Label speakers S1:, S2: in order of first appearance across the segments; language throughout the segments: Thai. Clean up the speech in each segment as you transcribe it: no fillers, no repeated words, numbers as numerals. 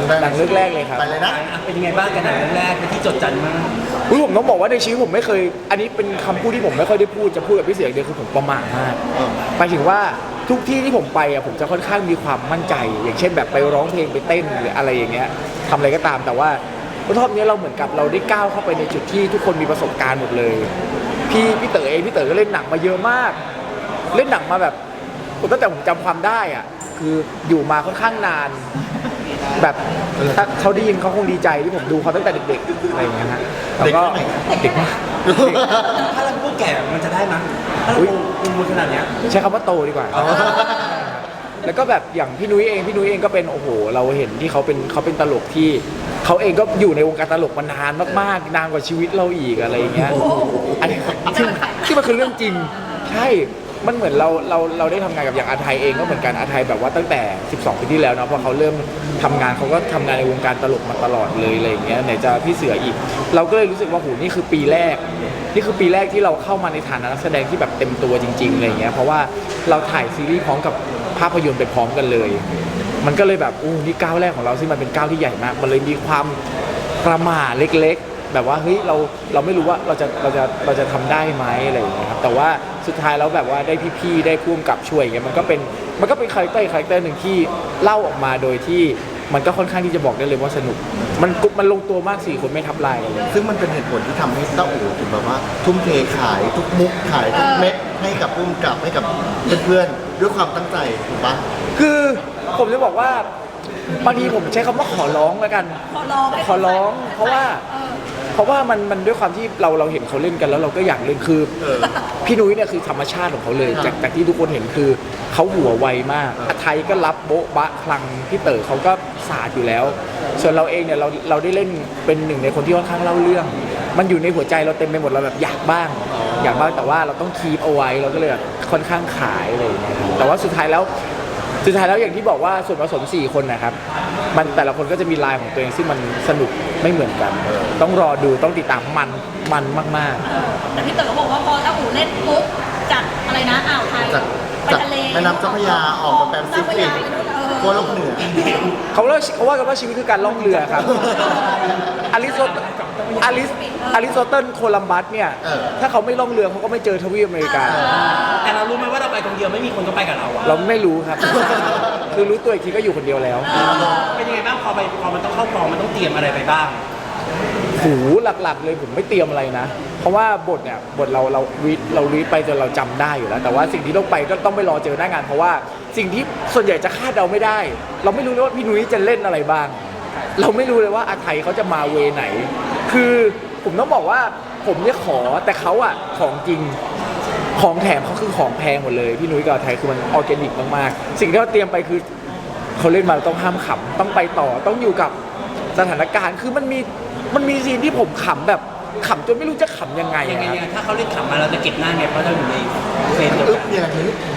S1: หนังเรื่องแรกเลยครับ
S2: ไปเลยนะ
S3: เป็นยังไงบ้างกันหนังเรื่องแรกเป็นที่จดจำมาก
S1: ผมต้องบอกว่าในชีวิตผมไม่เคยอันนี้เป็นคำพูดที่ผมไม่ค่อยได้พูดจะพูดกับพี่เสียงเดียวคือผมประมาทมากหมายถึงว่าทุกที่ที่ผมไปผมจะค่อนข้างมีความมั่นใจ อย่างเช่นแบบไปร้องเพลงไปเต้นหรืออะไรอย่างเงี้ยทำอะไรก็ตามแต่ว่ารอบนี้เราเหมือนกับเราได้ก้าวเข้าไปในจุดที่ทุกคนมีประสบการณ์หมดเลยพี่เต๋อเองพี่เต๋อก็เล่นหนังมาเยอะมากเล่นหนังมาแบบตั้งแต่ผมจำความได้อ่ะคืออยู่มาค่อนข้างนานแบบถ้าเขาได้ยินเขาคงดีใจที่ผมดูเขาตั้งแต่เด็กๆอะไรอย่างเงี้ยฮะแล้วก็เด็กมาก
S3: ถ้าเราพูดแก่มันจะได้มั้ยถ้าเราพูดขนาดเนี้ย
S1: ใช้คำว่าโตดีกว่าแล้วก็แบบอย่างพี่นุ้ยเองก็เป็นโอ้โหเราเห็นที่เขาเป็นตลกที่เขาเองก็อยู่ในวงการตลกมานานมากๆนานกว่าชีวิตเราอีกอะไรอย่างเงี้ยอันนี้ที่มันคือเรื่องจริงใช่มันเหมือนเราได้ทำงานกับอย่างอาไทยเองก็เหมือนกันอาไทยแบบว่าตั้งแต่12 ปีที่แล้วเนาะพอเขาเริ่มทำงานเขาก็ทำงานในวงการตลกมาตลอดเลยอะไรอย่างเงี้ยไหนจะพี่เสืออีกเราก็เลยรู้สึกว่าโหนี่คือปีแรกที่เราเข้ามาในฐานะนักแสดงที่แบบเต็มตัวจริงๆอะไรอย่างเงี้ยเพราะว่าเราถ่ายซีรีส์พร้อมกับภาพยนตร์ไปพร้อมกันเลยมันก็เลยแบบนี่ก้าวแรกของเราซึ่งมันเป็นก้าวที่ใหญ่มากมันเลยมีความประหม่าเล็กๆแบบว่าเฮ้ยเราไม่รู้ว่าเราจะทำได้ไหมอะไรอย่างเงี้ยครับแต่ว่าสุดท้ายแล้วแบบว่าได้พี่ๆได้พ่วงกับช่วยอย่างเงี้ยมันก็เป็นคาแรคเตอร์หนึ่งที่เล่าออกมาโดยที่มันก็ค่อนข้างที่จะบอกได้เลยว่าสนุกมันลงตัวมาก4 คนไม่ทับลายกันเลย
S2: ซึ่งมันเป็นเหตุผลที่ทำให้ต้าอู๋ถึงแบบว่าทุ่มเทขายทุกมุกขายทุกเม็ดให้กับพุ่มกับให้กับเพื่อนๆด้วยความตั้งใจถูกปะ
S1: คือผมจะบอกว่าบางทีผมใช้คำว่าขอร้องแล้วกันขอร้องเพราะว่ามันด้วยความที่เราเห็นเขาเล่นกันแล้วเราก็อยากเล่นคือพี่นุ้ยเนี่ยคือธรรมชาติของเขาเลยจากที่ทุกคนเห็นคือเขาหัวไวมากอาไทยก็รับโบ๊ะบะคลังพี่เต๋อเขาก็ศาสตร์อยู่แล้วส่วนเราเองเนี่ยเราได้เล่นเป็นหนึ่งในคนที่ค่อนข้างเล่าเรื่องมันอยู่ในหัวใจเราเต็มไปหมดเราแบบอยากบ้างแต่ว่าเราต้องคีปเอาไว้เราก็เลยแบบค่อนข้างขายเลยนะครับแต่ว่าสุดท้ายแล้วอย่างที่บอกว่าส่วนผสม4 คนนะครับมันแต่ละคนก็จะมีลายของตัวเองซึ่งมันสนุกไม่เหมือนกันต้องรอดูต้องติดตามมันมาก
S4: ๆแต่พี่เต๋อบอกว่าพอต้าอู่เล่นปุ๊บจากอะไรนะอ่าวไทยไปทะเล
S2: แม่น้ำเจ้าพระยาออกมาแปซิฟิกโคโลกเหนือ
S1: เขาว่ากันว่าชีวิตคือการล่องเรือครับอริสโตเติลโคลัมบัสเนี่ยถ้าเขาไม่ล่องเรือเขาก็ไม่เจอทวีปอเมริกา
S3: แต่เรารู้ไหมว่าเราไปคนเดียวไม่มีคนก็ไปกับเรา
S1: เราไม่รู้ครับคือรู้ตัวอีกทีก็อยู่คนเดียวแล้ว
S3: เป็นยังไงบ้างพอมันต้องเข้ากองมันต้องเตรียมอะไรไปบ้าง
S1: หูหลักๆเลยผมไม่เตรียมอะไรนะเพราะว่าบทเรารีดไปจนเราจำได้อยู่แล้วแต่ว่าสิ่งที่ต้องไปก็ต้องไปรอเจอหน้างานเพราะว่าสิ่งที่ส่วนใหญ่จะคาดเดาไม่ได้เราไม่รู้เลยว่าพี่นุ้ยจะเล่นอะไรบ้างเราไม่รู้เลยว่าอาไทยเขาจะมาเวไหนคือผมต้องบอกว่าผมเนี่ยขอแต่เขาอะของจริงของแถมเขาคือของแพงหมดเลยพี่นุ้ยกับอาไทยคือมันออร์แกนิกมากๆสิ่งที่เราเตรียมไปคือเขาเล่นมาต้องห้ามขำต้องไปต่อต้องอยู่กับสถานการณ์คือมันมีซีนที่ผมขำแบบขำจนไม่รู้จะขำยังไง
S3: ถ้าเขาเล่นขำมาเราจะเก็บหน้าไงเพราะเราอยู่ในเฟรมเดียวกัน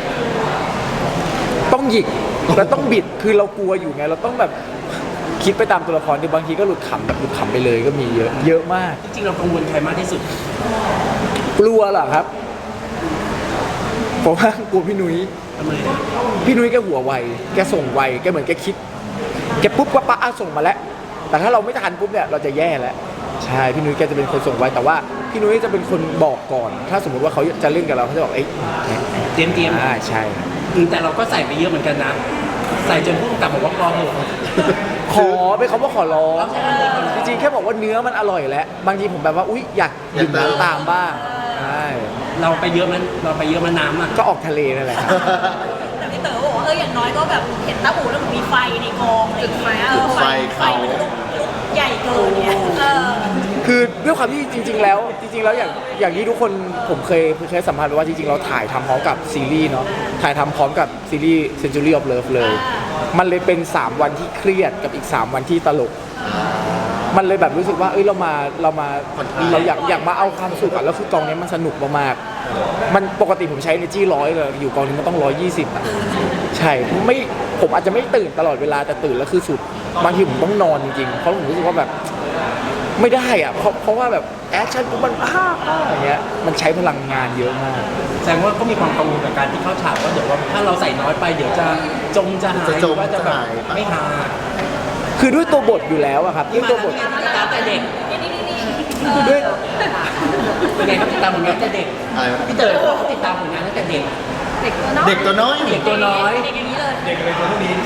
S1: ต้องหยิกแล้วต้องบิดคือเรากลัวอยู่ไงเราต้องแบบคิดไปตามตัวละครที่บางทีก็หลุดขำไปเลยก็มีเยอะมาก
S3: จริงๆเรากังวลใครมากที่สุด
S1: กลัวเหรอครับผมว่ากลัวพี่นุ้ยพี่นุ้ยแกหัวไวแกส่งไวแกเหมือนแกคิดแกปุ๊บก็ปะส่งมาแล้วแต่ถ้าเราไม่ทันปุ๊บเนี่ยเราจะแย่แล้วใช่พี่นุ้ยแกจะเป็นคนส่งไวแต่ว่าพี่นุ้ยจะเป็นคนบอกก่อนถ้าสมมติว่าเขาจะเล่นกับเราเขาจะบอก
S3: เตรียม
S1: ใช่
S3: แต่เราก็ใส่ไปเยอะเหมือนกันนะใส่จนพุ่งกลับบอกว่าพอเหอะ
S1: ขอเป็นคำว่าขอร้องจริงๆแค่บอกว่าเนื้อมันอร่อยแล้วบางทีผมแบบว่าอุ๊ยอยากดื่มน้ำตามบ้างใช่
S3: เราไปเยอะมันน้ำอ่ะ
S1: ก็ออกทะเลนั่นแหละครับ
S4: แต่พี่เต๋อบอกว่าอย่างน้อยก็แบบเห็นต้าอู่แล้วมีไฟในกองอะไรอย่างเงี้ยไฟมันใหญ่เกินเนี่ย
S1: คือด้วยความที่จริงๆแล้วอย่างที่ทุกคนผมเคยสัมภาษณ์ว่าจริงๆเราถ่ายทำพร้อมกับซีรีส์เนาะถ่ายทำพร้อมกับซีรีส์ Century of Love เลยมันเลยเป็น3 วันที่เครียดกับอีก3 วันที่ตลกมันเลยแบบรู้สึกว่าเราอยากมาเอาความสุขแล้วคือกองนี้มันสนุกมากๆมันปกติผมใช้ energy 100เลยอยู่กองนี้มันต้อง120อ่ะใช่ผมอาจจะไม่ตื่นตลอดเวลาแต่ตื่นแล้วคือสุดบางทีผมต้องนอนจริงๆเพราะผมรู้สึกว่าแบบไม่ได้อ่ะเพราะว่าแบบแอคชั่นมันอย่างเงี้ยมันใช้พลังงานเยอะมาก
S3: แสดงว่าก็มีความกังวลกับการที่เข้าฉากว่าเดี๋ยวว่าถ้าเราใส่น้อยไปเดี๋ยวจะหายว่าจะแบบไม่หา
S1: คือด้วยตัวบทอยู่แล้วอะครับด้วยตัวบท
S3: ติดตามแต่เด็ก
S1: ด้วย
S3: เป็นไงครับติดตามผลงานแต่เด็ก
S2: อะไรวะ
S3: พี่เต๋อเขาติดตามผลงานตั้งแต่เด็ก
S4: เด็กตัวน้อย
S2: เด็กตัวน้อย
S3: เด็กตัวน้อย
S4: เด็กอย่างนี้เลย
S3: เด็กเลยตัวเท่านี้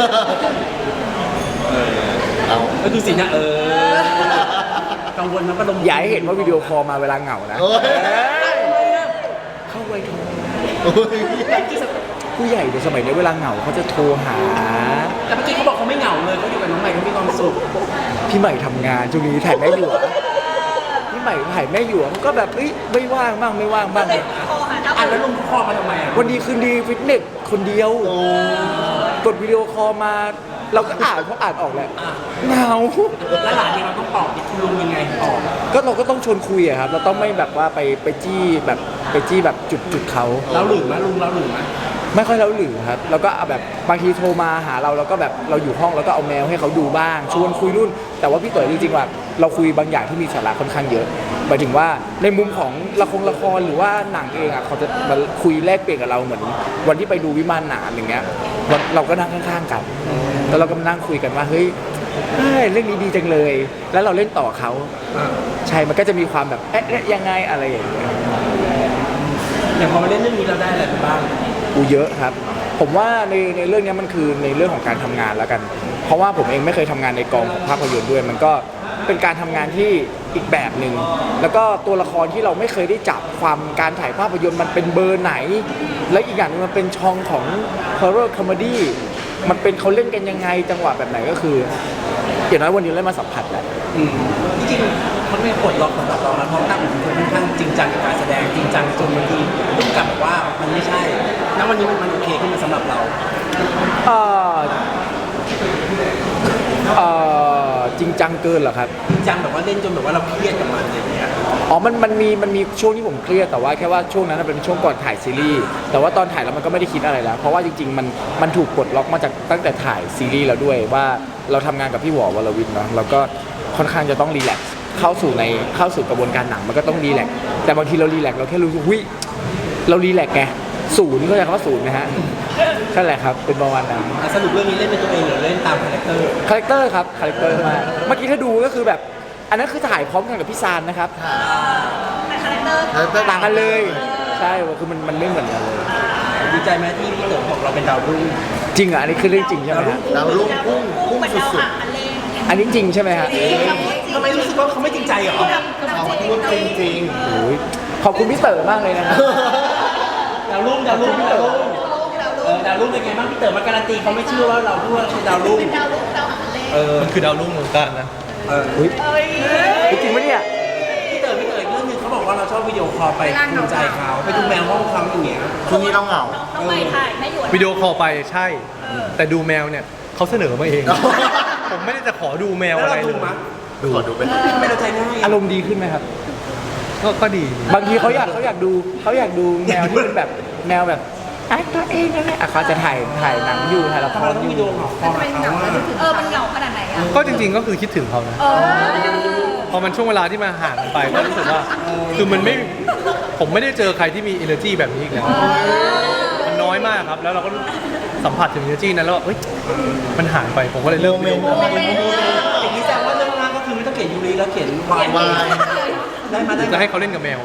S2: เอา
S3: ก็ดูสินะกังวลมันก็ลง
S1: อย่าให้เห็นว่าวิดีโอคอลมาเวลาเหงานะ
S2: โอ้ย
S1: เข้าไวโทร
S2: โอ้ย
S1: ผู้ใหญ่ในสมัยนี้เวลาเหงาเขาจะโทรหา
S3: แต่เมื่อกี้เขาบอกเขาไม่เหงาเลยเขาอยู่กับน้องใหม่เขามีความสุข
S1: พี่ใหม่ทำงานช่วงนี้ถ่ายแม่หยวพี่ใหม่ถ่ายแม่หยวก็แบบเอ้ยไม่ว่างบ้างไม่ว่างบ้าง
S4: เลยโทรหา
S3: อ่ะแล้วลงคอมาทำไมอ่ะ
S1: วันดีคืนดีฟิตเนสคนเดียว
S2: โอ้
S1: กดวิดีโอคอลมา เราก็อ่านเพราะอ่านออกแหละเหงา
S3: แล้วหลานเนี่ยเราต้องตอบคุณลุงยังไงตอบ
S1: ก็เราก็ต้องชวนคุยอะครับ เราต้องไม่แบบว่าไปจี้แบบจุดเขา
S3: เราหลืมไหมลุงเราหลืมไหม
S1: ไม่ค่อยเล่าหรือครับแล้วก็เอาแบบบางทีโทรมาหาเราแล้วก็แบบเราอยู่ห้องแล้วก็เอาแมวให้เขาดูบ้างชวนคุยนู่นแต่ว่าพี่เต๋อจริงๆว่าเราคุยบางอย่างที่มีสาระค่อนข้างเยอะหมายถึงว่าในมุมของละครหรือว่าหนังเองอ่ะเขาจะมาคุยแลกเปลี่ยนกับเราเหมือนวันที่ไปดูวิมานหนามอย่างเงี้ยเราก็นั่งข้างๆกันแล้วเราก็มานั่งคุยกันว่าเฮ้ยเรื่องนี้ดีจังเลย แล้วเราเล่นต่อเขาใช่มันก็จะมีความแบบเอ๊ะยังไงอะไรอย่างเงี้ย
S3: อย่างพอมาเล่นเรื่องนี้เราได้อะไรไปบ้าง
S1: เยอะครับผมว่าในเรื่องนี้มันคือในเรื่องของการทำงานแล้วกัน เพราะว่าผมเองไม่เคยทำงานในกองของภาพยนตร์ด้วย มันก็เป็นการทำงานที่อีกแบบหนึ่งแล้วก็ตัวละครที่เราไม่เคยได้จับความการถ่ายภาพยนตร์มันเป็นเบอร์ไหน และอีกอย่างหนึงมันเป็นช่องของ horror comedy มันเป็นเขาเล่นกันยังไงจังหวะแบบไหนก็คืออย่างน้อยวันนี้ได้มาสัมผัสแหละ
S3: จริงๆเขาไม่ปลดล็อกสำหรับเรานะเพราะตั้งเป็นคนค่อนข้างจริงจังกับการแสดงจริงจังจนบางทีต้องกลับบอกว่ามันไม่ใช่ณวันนี้มันโอเคขึ้นมาสำหรับเรา
S1: เอ่อจริงจังเกินเหรอครับ
S3: จริงจังแบบว่าเล่นจนแบบว่าเราเครียดกับมันอะไรอย่างเงี้ย
S1: อ๋อมันมีช่วงที่ผมเครียดแต่ว่าแค่ว่าช่วงนั้นเป็นช่วงก่อนถ่ายซีรีส์แต่ว่าตอนถ่ายแล้วมันก็ไม่ได้คิดอะไรแล้ว เพราะว่าจริงๆมันถูกปลดล็อกมาจากตั้งแต่ถ่ายซีรีส์แล้วด้วยว่าเราทำงานกับพี่หวอวรวินเนาะเราก็ค่อนข้างจะต้องรีแลกซ์เข้าสู่กระบวนการหนังมันก็ต้องรีแลกซ์แต่บางทีเรารีแลกซ์เราแค่รู้สึกวิเรารีแลกซ์ไงศูนย์ก็จะคำว่าศูนย์นะฮะนั่นแหละครับเป็นประมาณนั้น
S3: สรุปเรื่องนี้เล่นเป็นตัวเองหรือเล่นตามคาแรคเตอร์
S1: คาแรคเตอร์ครับคาแรคเตอร์มากเมื่อกี้ถ้าดูก็คือแบบอันนั้นคือถ่ายพร้อมกันกับพี่ซานนะครับ
S4: แต่คาแรคเตอร์
S1: ต่างกันเลยใช่คือมันไม่เหมือนกันเลย
S3: ดีใจไหมที่พี่เต๋อบอกเราเป็นดาวรุ่ง
S1: จริงเหรออันนี้คือเรื่องจริงใช่ไหมฮะ
S2: ดาวรุ่งพุ่ง
S4: เหมือนดาว
S2: สุด
S4: หางอันเล่ง
S1: อันนี้จริงใช่ไหมฮะ
S3: ทำไมรู้สึกว่าเขาไม่จริงใจเหรอ
S2: ๆเขาพูดจริง
S1: โอ้ยขอบคุณพี่เต๋อมากเลยนะครับ
S3: ดาวรุ่งพี่เต๋อดาวรุ่งเป็นไงบ้างพี่เต๋อมาการันตีเขาไม่เชื่อว่าเราพูดว่าเป็นดาวรุ่ง
S4: ดาวรุ่งดาวหางอันเล่ง
S5: มันคือดาวรุ่งวงการนะ
S1: อุ๊ย
S4: เอ้ย
S1: จริงปะเนี่ย
S3: พี่เต๋ออีกเรื่องหนึงเขาบอกว่าเราชอบวิดีโอคอลไปดูใจเขาไปดูแมวห้องเขาอย่างเงี้ย
S2: ๆช่วงนี้เราเหงา
S4: น้องใหม่ถ่ายไม่หยุด
S5: วิดีโอคอลไปใช่ แต่ดูแมวเนี่ยเขาเสนอมาเอง ผมไม่ได้จะขอดูแมว
S3: แล้ว
S5: อะไร
S3: เรา
S5: เล
S3: ดู
S5: ย
S3: มั้ย
S2: ขอดูเป็น
S3: ทำไมเราใจง่าย
S1: อารมณ์ดีขึ้นไหมครับ
S5: ก็ดี
S1: บางทีเขาอยากดูแมวที่เป็นแบบแมวแบบไอ้ตัวเองนั่นแหละอ่ะเขาจะถ่ายหนังอยู่ถ่ายละค
S3: ทำไม
S1: ร
S3: เราต้
S1: อ
S3: อง
S1: ยู่
S3: วิดีโอคอลหาเขาว่า
S4: มันเหงาขนาดไหนอ่ะ
S5: ก็จริงๆก็คือคิดถึงเขานะ พอมันช่วงเวลาที่มาห่างกันไปก็รู้สึกว่า คือผมไม่ได้เจอใครที่มี energy แบบนี้อีกแล้ว มันน้อยมากครับ แล้วเราก็สัมผัสถึง energy นั้นแล้วว่าเอ้ย มันหายไป ผมก็เลยเลิกวิดีโอคอล
S3: อย่างนี้แสดงว่าเรื่องแรกก็คือไม่ต้องเขียนยูรีแล้วเขียนวายว
S2: าย
S3: ได้มาได้
S5: จะให้เขาเล่นกับแมว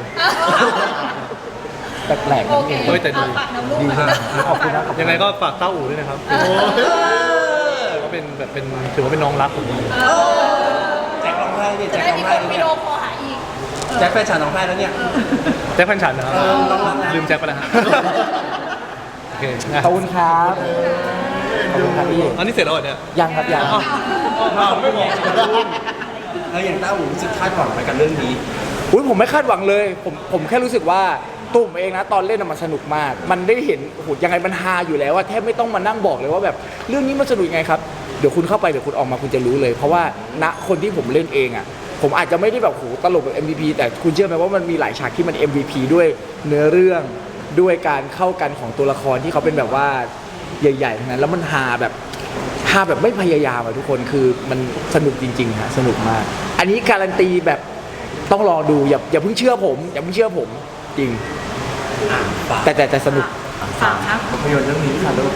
S1: แปลกๆ
S4: โอ
S1: นั่น
S4: เค
S1: เอง
S5: เฮ้ยแต่ดี
S4: ฝากน้ำลูก
S1: ดี
S4: หน่อย
S1: ขอบคุณนะขอบคุณ
S5: ยังไงก็ฝากเต้าอู่ด้วยนะครับก็เป็นแบบถือว่าเป็นน้องรักผม
S3: แจ็คร้องไห้เนี่ย
S4: จะ
S3: แจ็ค
S4: ได้
S3: ร้อง
S4: มี
S3: ไห้
S4: คน
S3: แล้ว
S4: วิ
S3: เนี่ย
S4: ดีโอคอลหาอีก
S3: แจ็คแฟนฉันร้องไห้แล้วเนี่ย
S5: แจ็คพันฉันนะครับ
S3: น้องรักนะ
S5: ลืมแจ็คไปแล้วฮะโอเคนะ
S1: ขอบคุณครับขอบคุณครับพี่
S5: อันนี้เสร็จแล้วเหรอเนี่ย
S1: ยังครับยัง
S5: ไม่บอก
S3: แล้วอย่างต้าหูรู้สึกคาดหวังไปกับเรื่องนี้
S1: อุ้ยผมไม่คาดหวังเลยผมแค่รู้สึกว่าตัวผมเองนะตอนเล่นน่ะมันสนุกมาก มันได้เห็นโอ้โหยังไงมันฮาอยู่แล้วว่าแทบไม่ต้องมานั่งบอกเลยว่าแบบเรื่องนี้มันสนุกยังไงครับเดี๋ยวคุณเข้าไปเดี๋ยวคุณออกมาคุณจะรู้เลย เพราะว่าณคนที่ผมเล่นเองอ่ะผมอาจจะไม่ได้แบบโหตลกแบบ MVP แต่คุณเชื่อไหมว่ามันมีหลายฉากที่มัน MVP ด้วยเนื้อเรื่องด้วยการเข้ากันของตัวละครที่เขาเป็นแบบว่าใหญ่ๆทั้งนั้นแล้วมันฮาแบบไม่พยายามอะทุกคนคือมันสนุกจริงๆฮะสนุกมาก อันนี้การันตีแบบต้องรอดูอย่าเพิ่งเชื่อผมจริงแต่สนุก
S4: ฝากครับ
S2: ภาพยนตร์เรื่องนี้ค่ะลูก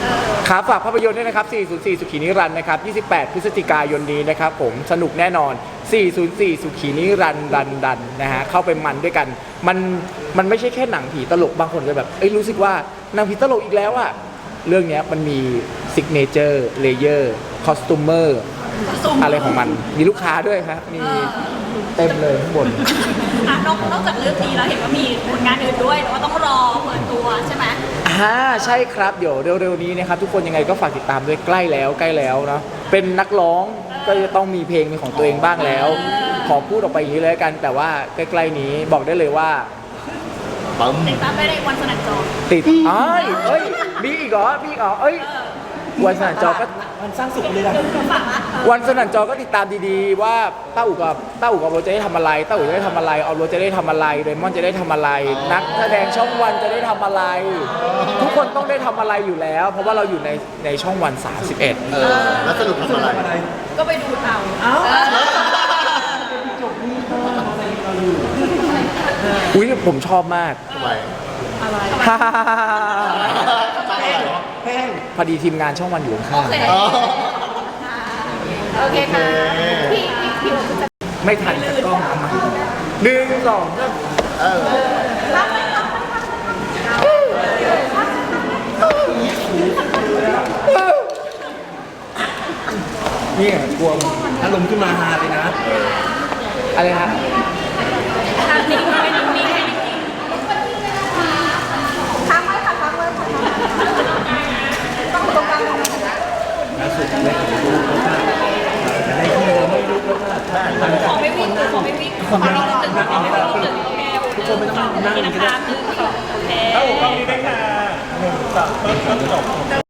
S1: ครับฝากภาพยนตร์ด้วยนะครับ 404 สุขีนิรันดร์นะครับ 28 พฤศจิกายนนี้นะครับผมสนุกแน่นอน 404 สุขีนิรันดร์ดันนะฮะเข้าไปมันด้วยกัน มันไม่ใช่แค่หนังผีตลกบางคนจะแบบเอ้ยรู้สึกว่าหนังผีตลกอีกแล้วอะเรื่องเนี้ยมันมีซิกเนเจอร์เลเยอร์คอสตูมเมอร์อะไรของมันมีลูกค้าด้วยครับมีเต็มเลยข้างบน
S4: นอกจากเรื่องนี้แล้วเห็นว่ามีผลงานอื่นด้วยแต่ว่าต้องรอเปิดตัวใช่ไหม
S1: ใช่ครับเดี๋ยวเร็วๆนี้นะครับทุกคนยังไงก็ฝากติดตามด้วยใกล้แล้วเนาะเป็นนักร้องก็จะต้องมีเพลงเป็นของตัวเองบ้างแล้ว ขอพูดออกไปอย่างนี้เลยละกัน แต่ว่าใกล้ๆนี้บอกได้เลยว่า
S2: ปั๊ม
S4: ติดตามได้ในวันสนันจอ
S1: ติดเอ้ยมีอีกเหรอเอ้ยวันสนั่นจอก็
S3: มันสร้างสุขเลยนะ
S4: ฝากนะ
S1: วันสนั่นจอก็ติดตามดีๆว่าต้าอู่กับโรถจะได้ทำอะไรต้าอู่จะได้ทำอะไรออฟโรถจะได้ทำอะไรเรมอนจะได้ทำอะไร นักแสดงช่องวันจะได้ทำอะไร ทุกคนต้องได้ทำอะไรอยู่แล้ว เพราะว่าเราอยู่ในช่องวัน 31
S2: แล้วสรุปทำอะไร
S4: ก็ไปดูเอา
S1: อุ้ยผมชอบมาก
S2: ทำไม
S1: ฮ่า
S3: แห้ง
S1: พอดีทีมงานช่องวันอยู่ข้าง
S2: อ๋อ
S4: โอเคค่ะพี่โอ๊ตจะ
S1: ๆไม่ทันกล้องเอามา1 2 3
S2: เออ
S1: เนี่ยกลัวมึง
S3: อารมณ์ขึ้นมาฮาเลยนะ
S1: อะไรฮะ
S4: ทางนี้ไม่ได้มีให้จริงค้างไว้ค่ะค้างไว้ค่ะต้องตรงกลางตรงนี้
S3: ล่าสุดได้เห็นรูปแล้วค่ะได้ที่เราไม่รู้แล้วค่ะ
S4: ขอไม่วิ่งขอไม่วิ่งขอไม่วิ่งตึงทุกคนไม่ต้องนั่งกันก็ได้1 2 โอเค
S6: กล้องนี้ได้ค่ะ1 2 ต้นจบ